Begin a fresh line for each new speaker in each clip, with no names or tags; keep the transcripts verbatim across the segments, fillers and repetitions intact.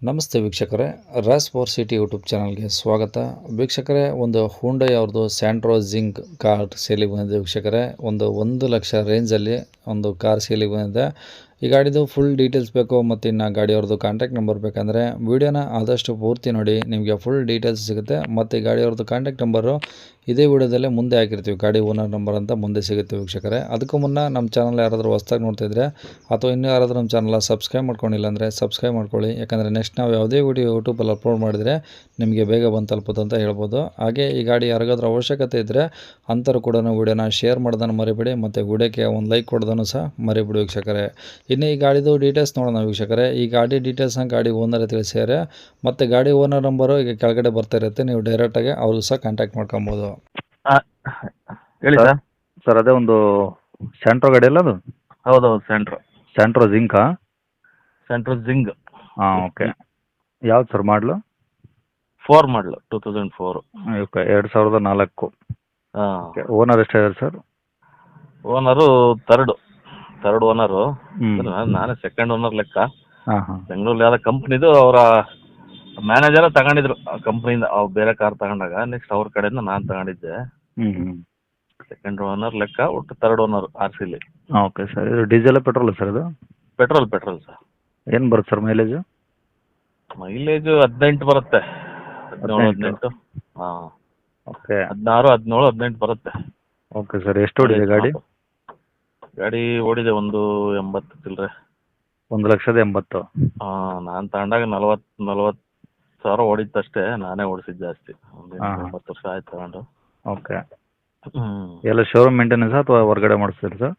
ನಮಸ್ತೆ ವೀಕ್ಷಕರೇ, Raas four city YouTube ಚಾನಲ್ಗೆ ಸ್ವಾಗತ. ವೀಕ್ಷಕರೇ, ಒಂದು ಹುಂಡೈ ಅವ್ರದ್ದು ಸ್ಯಾಂಟ್ರೋ ಜಿಂಕ್ ಕಾರ್ ಸೇಲಿಗೆ ಬಂದಿದೆ. ವೀಕ್ಷಕರೇ, ಒಂದು ಒಂದು ಲಕ್ಷ ರೇಂಜಲ್ಲಿ ಒಂದು ಕಾರ್ ಸೇಲಿಗೆ ಬಂದಿದೆ. ಈ ಗಾಡಿದು ಫುಲ್ ಡೀಟೇಲ್ಸ್ ಬೇಕು ಮತ್ತು ಇನ್ನು ಗಾಡಿಯವ್ರದ್ದು ಕಾಂಟ್ಯಾಕ್ಟ್ ನಂಬರ್ ಬೇಕಂದರೆ ವೀಡಿಯೋನ ಆದಷ್ಟು ಪೂರ್ತಿ ನೋಡಿ, ನಿಮಗೆ ಫುಲ್ ಡೀಟೇಲ್ಸ್ ಸಿಗುತ್ತೆ. ಮತ್ತು ಈ ಗಾಡಿಯವ್ರದ್ದು ಕಾಂಟ್ಯಾಕ್ಟ್ ನಂಬರು ಇದೇ ವಿಡಿಯೋದಲ್ಲೇ ಮುಂದೆ ಹಾಕಿರ್ತೀವಿ, ಗಾಡಿ ಓನರ್ ನಂಬರ್ ಅಂತ ಮುಂದೆ ಸಿಗುತ್ತೆ ವೀಕ್ಷಕರೇ. ಅದಕ್ಕೂ ಮುನ್ನ ನಮ್ಮ ಚಾನಲ್ ಯಾರಾದರೂ ಹೊಸ್ದಾಗಿ ನೋಡ್ತಿದ್ರೆ ಅಥವಾ ಇನ್ನೂ ಯಾರಾದರೂ ನಮ್ಮ ಚಾನಲ್ ಸಬ್ಸ್ಕ್ರೈಬ್ ಮಾಡ್ಕೊಂಡಿಲ್ಲ ಅಂದರೆ ಸಬ್ಸ್ಕ್ರೈಬ್ ಮಾಡ್ಕೊಳ್ಳಿ. ಯಾಕಂದರೆ ನೆಕ್ಸ್ಟ್ ನಾವು ಯಾವುದೇ ವಿಡಿಯೋ ಯೂಟ್ಯೂಬಲ್ಲಿ ಅಪ್ಲೋಡ್ ಮಾಡಿದರೆ ನಿಮಗೆ ಬೇಗ ಬಂದು ತಲುಪುತ್ತೆ ಅಂತ ಹೇಳ್ಬೋದು. ಹಾಗೆ ಈ ಗಾಡಿ ಯಾರಿಗಾದ್ರೂ ಅವಶ್ಯಕತೆ ಇದ್ದರೆ ಅಂಥವ್ರು ಕೂಡ ವೀಡಿಯೋನ ಶೇರ್ ಮಾಡೋದನ್ನು ಮರಿಬೇಡಿ ಮತ್ತು ವಿಡಿಯೋಕ್ಕೆ ಒಂದು ಲೈಕ್ ಕೊಡೋದನ್ನು ಸಹ ಮರಿಬೇಡಿ ವೀಕ್ಷಕರೇ. ಇನ್ನು ಈ ಗಾಡಿದು ಡೀಟೇಲ್ಸ್ ನೋಡೋಣ ವೀಕ್ಷಕರೇ. ಈ ಗಾಡಿ ಡೀಟೇಲ್ಸ್ನ ಗಾಡಿ ಓನರ್ ತಿಳಿಸ್ಯಾರೆ ಮತ್ತು ಗಾಡಿ ಓನರ್ ನಂಬರು ಈಗ ಕೆಳಗಡೆ ಬರ್ತಾ ಇರುತ್ತೆ, ನೀವು ಡೈರೆಕ್ಟಾಗಿ ಅವ್ರಿಗೂ ಸಹ ಕಾಂಟ್ಯಾಕ್ಟ್ ಮಾಡ್ಕೊಬೋದು.
ಹೇಳಿ ಸರ್.
ಸರ್ ಅದೇ ಒಂದು ಸ್ಯಾಂಟ್ರೋ ಗಾಡಿ ಅಲ್ಲ ಅದು?
ಹೌದೌದು, ಸೆಂಟ್ರೋ
ಸ್ಯಾಂಟ್ರೋ ಜಿಂಕಾ?
ಸೆಂಟ್ರೋ ಜಿಂಗ್
ಹಾಂ, ಓಕೆ. ಯಾವ್ದು ಸರ್ ಮಾಡಲು?
ಫೋರ್ ಮಾಡಲು ಟೂ ತೌಸಂಡ್ ಫೋರು.
ಓಕೆ, ಎರಡು ಸಾವಿರದ ನಾಲ್ಕು.
ಹಾಂ.
ಓಕೆ, ಓನರ್ ಎಷ್ಟಿದ್ದಾರೆ sir?
Owner third third owner.
ಹ್ಞೂ.
ನಾನೇ ಸೆಕೆಂಡ್ ಓನರ್ ಲೆಕ್ಕ.
ಹಾಂ ಹಾಂ.
ಬೆಂಗಳೂರಲ್ಲಿ ಯಾವ್ದೋ ಕಂಪ್ನಿದು ಅವರ ಮ್ಯಾನೇಜರ ತಗೊಂಡಿದ್ರು ಆ ಕಂಪ್ನಿಯಿಂದ. ಅವ್ರು ಬೇರೆ ಕಾರ್ ತಗೊಂಡಾಗ ನೆಕ್ಸ್ಟ್ ಅವ್ರ ಕಡೆಯಿಂದ ನಾನು ತಗೊಂಡಿದ್ದೆ.
ಹ್ಞೂ ಹ್ಞೂ.
ಸೆಕೆಂಡ್ ಓನರ್ ಲೆಕ್ಕ, ಒಟ್ಟು ತರ್ಡ್ ಓನರ್ ಆರ್ ಸಿಲಿ.
ಹಾಂ, ಓಕೆ ಸರ್. ಇದು ಡೀಸೆಲ್ ಪೆಟ್ರೋಲ್ ಸರ್ ಇದು?
Petrol petrol sir.
ಏನು ಬರುತ್ತೆ ಸರ್ ಮೈಲೇಜು?
ಮೈಲೇಜು ಹದಿನೆಂಟು ಬರುತ್ತೆ, ಹದಿನೇಳು ಹದಿನೆಂಟು. ಹಾಂ,
ಓಕೆ.
ಹದಿನಾರು ಹದಿನೇಳು ಹದಿನೆಂಟು ಬರುತ್ತೆ.
Okay sir. ಎಷ್ಟು ಓಡಿದೆ ಗಾಡಿ?
ಗಾಡಿ ಓಡಿದೆ ಒಂದು ಎಂಬತ್ತು ಚಿಲ್ಲರೆ.
ಒಂದು ಲಕ್ಷದ ಎಂಬತ್ತು.
ಹಾಂ, ನಾನು ತಗೊಂಡಾಗ ನಲ್ವತ್ತು ನಲ್ವತ್ತು ಸಾವಿರ ಓಡಿತ್ತಷ್ಟೇ. ನಾನೇ ಓಡಿಸಿದ್ದು ಜಾಸ್ತಿ. ಒಂದು
ಹಾಂ.
ಒಂಬತ್ತು ವರ್ಷ ಆಯ್ತು ತಗೊಂಡು.
ಓಕೆ.
ಹ್ಞೂ.
ಎಲ್ಲ ಶೋರೂಮ್ ಮೇಂಟೆನೆನ್ಸ್ ಅಥವಾ ಹೊರಗಡೆ ಮಾಡಿಸ್ತೀರಿ ಸರ್?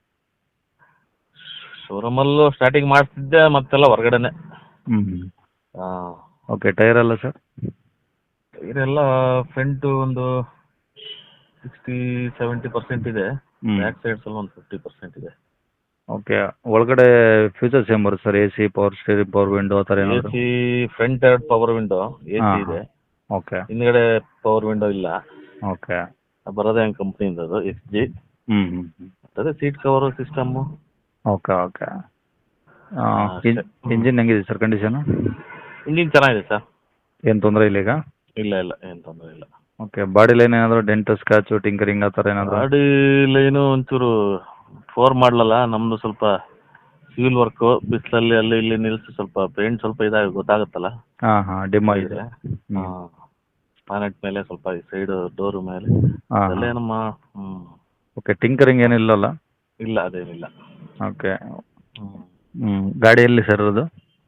ಶೋರೂಮಲ್ಲೂ ಸ್ಟಾರ್ಟಿಂಗ್ ಮಾಡಿಸ್ತಿದ್ದೆ, ಮತ್ತೆಲ್ಲ ಹೊರಗಡೆನೆ.
ಹ್ಞೂ ಹ್ಞೂ.
ಹಾಂ.
ಓಕೆ. ಟೈರ್ ಎಲ್ಲ ಸರ್?
ಇದೆಲ್ಲ ಫ್ರಂಟು ಒಂದು ಸಿಕ್ಸ್ಟಿ ಸೆವೆಂಟಿ ಪರ್ಸೆಂಟ್ ಇದೆ.
ಹ್ಞೂ.
ಬ್ಯಾಕ್ ಸೈಡ್ಸ್ ಎಲ್ಲ ಒಂದು ಫಿಫ್ಟಿ ಪರ್ಸೆಂಟ್ ಇದೆ.
ಓಕೆ. ಒಳಗಡೆ ಫ್ಯೂಚರ್ಸ್ ಏನು ಬರುತ್ತೆ sir? A C, power steering, power window ಆ ಥರ
ಎ
ಏನಾದರೂ?
ಸಿ ಫ್ರಂಟ್ ಎರಡು ಪವರ್ ವಿಂಡೋ ಎ ಸಿ
ಹಾಂ
ಇದೆ.
ಓಕೆ.
ಹಿಂದ್ಗಡೆ ಪವರ್ ವಿಂಡೋ ಇಲ್ಲ.
ಓಕೆ.
ಬರೋದೇ ಹಂಗೆ ಕಂಪ್ನಿಯಿಂದ ಅದು ಎಕ್ಸ್ ಜಿ.
ಹ್ಞೂ ಹ್ಞೂ ಹ್ಞೂ.
ಅದೇ seat cover system.
Okay okay.
ಅಷ್ಟೇ.
ಇಂಜಿನ್ ಹೆಂಗಿದೆ ಸರ್ ಕಂಡೀಷನು?
ಇಂಜಿನ್ ಚೆನ್ನಾಗಿದೆ ಸರ್.
ಏನು ತೊಂದರೆ ಇಲ್ಲ ಈಗ?
ಇಲ್ಲ ಇಲ್ಲ, ಏನು ತೊಂದರೆ ಇಲ್ಲ.
ಓಕೆ. ಬಾಡಿ ಲೈನ್ ಏನಾದರೂ ಡೆಂಟು, ಸ್ಕ್ರಾಚು, ಟಿಂಕರಿಂಗ್ ಆ ಥರ ಏನಾದರೂ?
ಗಾಡಿ ಲೈನು ಒಂಚೂರು ಫೋರ್ ಮಾಡಲಲ್ಲ ನಮ್ಮದು, ಸ್ವಲ್ಪ ಸಿವಿಲ್ ವರ್ಕು, ಬಿಸಿಲಲ್ಲಿ ಅಲ್ಲಿ ಇಲ್ಲಿ ನಿಲ್ಲಿಸಿ ಸ್ವಲ್ಪ ಪೇಂಟ್ ಸ್ವಲ್ಪ ಇದಾಗಿ ಗೊತ್ತಾಗುತ್ತಲ್ಲ.
ಹಾಂ ಹಾಂ. ಡಿಮ್ ಆಗಿದೆ. ಹ್ಞೂ.
ಹಾಂ, ಪಾನೆಟ್ ಮೇಲೆ ಸ್ವಲ್ಪ ಈ ಸೈಡ್ ಡೋರು ಮೇಲೆ
ಹಾಂ
ಅದೆಲ್ಲ
ಹಾಂ.
ಏನಮ್ಮ. ಹ್ಞೂ.
ಓಕೆ. ಟಿಂಕರಿಂಗ್ ಏನಿಲ್ಲಲ್ಲ?
ಇಲ್ಲ, ಅದೇನಿಲ್ಲ.
ಓಕೆ.
ಹ್ಞೂ.
ಹ್ಞೂ. ಗಾಡಿ ಎಲ್ಲಿ ಸರ್ ಅದು?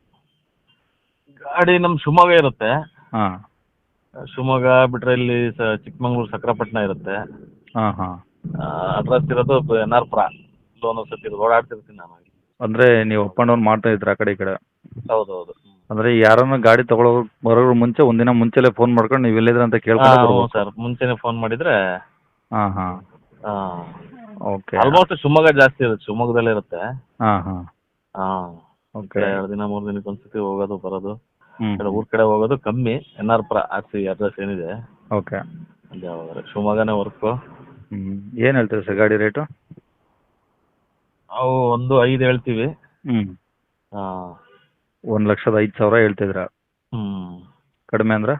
ಗಾಡಿ ನಮ್ಮ ಶಿವಮೊಗ್ಗ ಇರುತ್ತೆ.
ಹಾಂ
ಶಿವಮೊಗ್ಗ ಬಿಟ್ಟರೆ ಇಲ್ಲಿ ಸ ಚಿಕ್ಕಮಂಗ್ಳೂರು ಸಕ್ರಪಟ್ಟಣ ಇರುತ್ತೆ.
ಹಾಂ ಹಾಂ.
ಅಡ್ರೆಸ್ ಇರೋದು ಎನ್ ಆರ್ ಪುರ. ಲೋನ್ ಸತಿ ಓಡಾಡ್ತಿರ್ತೀನಿ ನಾನು.
ಅಂದರೆ ನೀವು ಅಪ್ ಆ್ಯಂಡ್ ಡೌನ್ ಮಾಡ್ತಾ ಇದ್ದೀರಾ ಆ ಕಡೆ ಈ ಕಡೆ?
ಹೌದು ಹೌದು.
ಅಂದರೆ ಯಾರನ್ನ ಗಾಡಿ ತೊಗೊಳೋ ಬರೋದ್ರ ಮುಂಚೆ ಒಂದಿನ ಮುಂಚೆಲೇ ಫೋನ್ ಮಾಡ್ಕೊಂಡು ನೀವು ಎಲ್ಲಿದ್ರೆ ಅಂತ ಕೇಳ್ಕೊಂಡು
ಹಾಂ
ಬರ್ಬೇಕು.
ಸರ್, ಮುಂಚೆನೇ ಫೋನ್ ಮಾಡಿದರೆ.
ಹಾಂ ಹಾಂ.
ಹಾಂ,
ಓಕೆ.
ಆಲ್ಮೋಸ್ಟ್ ಶಿವಮೊಗ್ಗ ಜಾಸ್ತಿ ಇರುತ್ತೆ, ಶಿವಮೊಗ್ಗದಲ್ಲೇ ಇರುತ್ತೆ.
ಹಾಂ ಹಾಂ.
ಹಾಂ,
ಓಕೆ.
ಎರಡು ದಿನ ಮೂರು ದಿನಕ್ಕೆ ಒಂದ್ಸತಿ ಹೋಗೋದು ಬರೋದು.
ಹ್ಞೂ
ಕಡೆ ಊರ ಕಡೆ ಹೋಗೋದು ಕಮ್ಮಿ. N R Pura R C address ಏನಿದೆ
ಓಕೆ.
ಅಲ್ಲಿ ಯಾವಾಗ ಶಿವಮೊಗ್ಗನೇ ವರ್ಕು.
ಹ್ಞೂ. ಏನು ಹೇಳ್ತೀರಿ ಸರ್ ಗಾಡಿ ರೇಟು?
ನಾವು ಒಂದು ಐದು ಹೇಳ್ತೀವಿ.
ಹ್ಞೂ.
ಹಾಂ.
ಒಂದು ಲಕ್ಷದ ಐದು ಸಾವಿರ ಹೇಳ್ತಿದ್ದೀರಾ?
ಹ್ಞೂ.
ಕಡಿಮೆ ಅಂದ್ರೆ?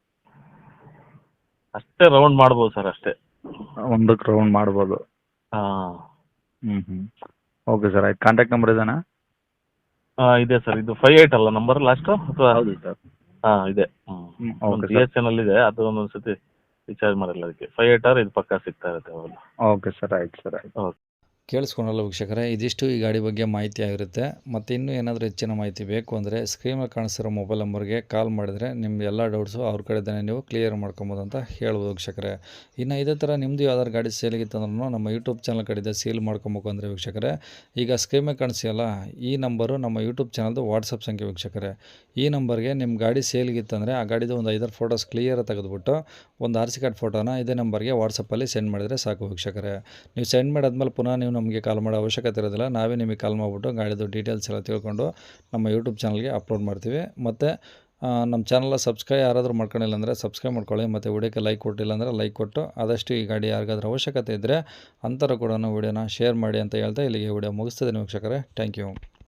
ಅಷ್ಟೇ ರೌಂಡ್ ಮಾಡ್ಬೋದು ಸರ್, ಅಷ್ಟೇ.
ಒಂದಕ್ಕೆ ರೌಂಡ್ ಮಾಡ್ಬೋದು.
ಹಾಂ.
ಹ್ಞೂ ಹ್ಞೂ. ಓಕೆ ಸರ್, ಆಯ್ತು. ಕಾಂಟ್ಯಾಕ್ಟ್ ನಂಬರ್ ಇದೇನಾ?
ಹಾಂ, ಇದೆ ಸರ್. ಇದು ಫೈವ್ ಏಯ್ಟ್ ಅಲ್ಲ ನಂಬರ್ ಲಾಸ್ಟು ಅಥವಾ?
ಹೌದು ಸರ್.
ಹಾಂ, ಇದೆ. ಹ್ಞೂ.
ಹ್ಞೂ.
ಒಂದು
okay
B
sir.
S N ಅಲ್ಲಿ ಇದೆ, ಅದು ಒಂದೊಂದು ಸತಿ ರಿಚಾರ್ಜ್ ಮಾಡಿಲ್ಲ ಅದಕ್ಕೆ. ಫೈವ್ ಏಯ್ಟ್ ಆರ್ ಇದು ಪಕ್ಕಾ ಸಿಗ್ತಾ ಇರುತ್ತೆ ಅವಾಗ.
ಓಕೆ ಸರ್, ಆಯ್ತು ಸರ್, ಆಯ್ತು.
ಓಕೆ.
ಕೇಳಿಸ್ಕೊಂಡಲ್ಲ ವೀಕ್ಷಕರೇ, ಇದಿಷ್ಟು ಈ ಗಾಡಿ ಬಗ್ಗೆ ಮಾಹಿತಿ ಆಗಿರುತ್ತೆ. ಮತ್ತು ಇನ್ನೂ ಏನಾದರೂ ಹೆಚ್ಚಿನ ಮಾಹಿತಿ ಬೇಕು ಅಂದರೆ ಸ್ಕ್ರೀನಲ್ಲಿ ಕಾಣಿಸ್ತಿರೋ ಮೊಬೈಲ್ ನಂಬರ್ಗೆ ಕಾಲ್ ಮಾಡಿದರೆ ನಿಮ್ಮ ಎಲ್ಲ ಡೌಟ್ಸು ಅವ್ರ ಕಡೆದೇ ನೀವು ಕ್ಲಿಯರ್ ಮಾಡ್ಕೊಬೋದು ಅಂತ ಹೇಳ್ಬೋದು ವೀಕ್ಷಕರೇ. ಇನ್ನು ಇದೇ ಥರ ನಿಮ್ಮದು ಯಾವ್ದಾದ್ರು ಗಾಡಿ ಸೇಲಿಗಿತ್ತಂದ್ರೂ ನಮ್ಮ ಯೂಟ್ಯೂಬ್ ಚಾನಲ್ ಕಡೆಯಿಂದ ಸೇಲ್ ಮಾಡ್ಕೊಬೇಕು ಅಂದರೆ ವೀಕ್ಷಕರೇ, ಈಗ ಸ್ಕ್ರೀನಲ್ಲಿ ಕಾಣಿಸಿಯಲ್ಲ ಈ ನಂಬರು ನಮ್ಮ ಯೂಟ್ಯೂಬ್ ಚಾನಲ್ದು ವಾಟ್ಸಪ್ ಸಂಖ್ಯೆ ವೀಕ್ಷಕರೇ. ಈ ನಂಬರ್ಗೆ ನಿಮ್ಮ ಗಾಡಿ ಸೇಲ್ಗಿತ್ತಂದರೆ ಆ ಗಾಡಿದು ಒಂದು ಐದಾರು ಫೋಟೋಸ್ ಕ್ಲಿಯರ್ ತೆಗೆದುಬಿಟ್ಟು ಒಂದು ಆರ್ ಸಿ ಕಾರ್ಡ್ ಫೋಟೋನ ಇದೇ ನಂಬರ್ಗೆ ವಾಟ್ಸಪ್ಪಲ್ಲಿ ಸೆಂಡ್ ಮಾಡಿದರೆ ಸಾಕು ವೀಕ್ಷಕರೇ. ನೀವು ಸೆಂಡ್ ಮಾಡಾದ್ಮೇಲೆ ಪುನಃ ನೀವು ನಮಗೆ ಕಾಲ್ ಮಾಡೋ ಅವಶ್ಯಕತೆ ಇರೋದಿಲ್ಲ. ನಾವೇ ನಿಮಗೆ ಕಾಲ್ ಮಾಡಿಬಿಟ್ಟು ಗಾಡಿದು ಡೀಟೇಲ್ಸ್ ಎಲ್ಲ ತಿಳ್ಕೊಂಡು ನಮ್ಮ ಯೂಟ್ಯೂಬ್ ಚಾನಲ್ಗೆ ಅಪ್ಲೋಡ್ ಮಾಡ್ತೀವಿ. ಮತ್ತು ನಮ್ಮ ಚಾನಲ್ನ ಸಬ್ಸ್ಕ್ರೈಬ್ ಯಾರಾದರೂ ಮಾಡ್ಕೊಂಡಿಲ್ಲ ಅಂದರೆ ಸಬ್ಸ್ಕ್ರೈಬ್ ಮಾಡ್ಕೊಳ್ಳಿ. ಮತ್ತು ವಿಡಿಯೋಕ್ಕೆ ಲೈಕ್ ಕೊಟ್ಟಿಲ್ಲ ಅಂದರೆ ಲೈಕ್ ಕೊಟ್ಟು ಆದಷ್ಟು ಈ ಗಾಡಿ ಯಾರಿಗಾದ್ರೂ ಅವಶ್ಯಕತೆ ಇದ್ದರೆ ಅಂಥವ್ರು ಕೂಡ ವಿಡಿಯೋನ ಶೇರ್ ಮಾಡಿ ಅಂತ ಹೇಳ್ತಾ ಇಲ್ಲಿಗೆ ವಿಡಿಯೋ ಮುಗಿಸ್ತಿದ್ದೀನಿ ವೀಕ್ಷಕರೇ. Thank you.